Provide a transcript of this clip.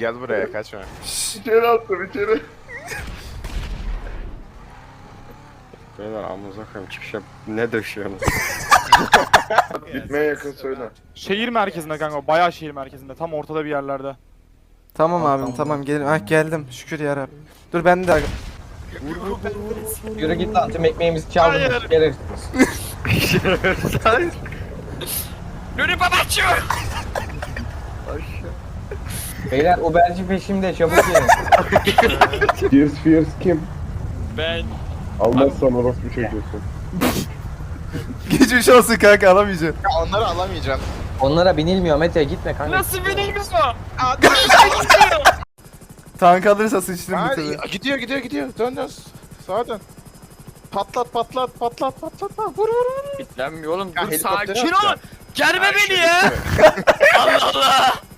gel buraya kaçma. İçeri attım içeri. Beyler amınıza koyayım çıkış yap. Ne döşüyorsunuz? Bitmeye yakın söyle. Şehir merkezinde kanka, bayağı şehir merkezinde, tam ortada bir yerlerde. Tamam abim tamam gelim. Ah geldim. Şükür yarabbim. Dur ben de Yürü git lan, tüm ekmeğimizi çaldın. Gelir. Nuri babacığım. Beyler Uberci peşimde, çabuk gelin. Fierce kim? Ben. Almazsan orospu çocuğusun. geçmiş olsun kanka alamayacağım. Ya onları alamayacağım. Onlara binilmiyor Mete, gitme kanka. Nasıl binilmiyor? Tank alırsa sıçtım bir Hadi tabi. gidiyor. Dön. Sağa dön. Patlat. Vur. Bitlenmiyor oğlum. Ya Dur helikopteri sakin ol. atacağım. Germe Ay, beni şöyle ya. gitme. Allah Allah.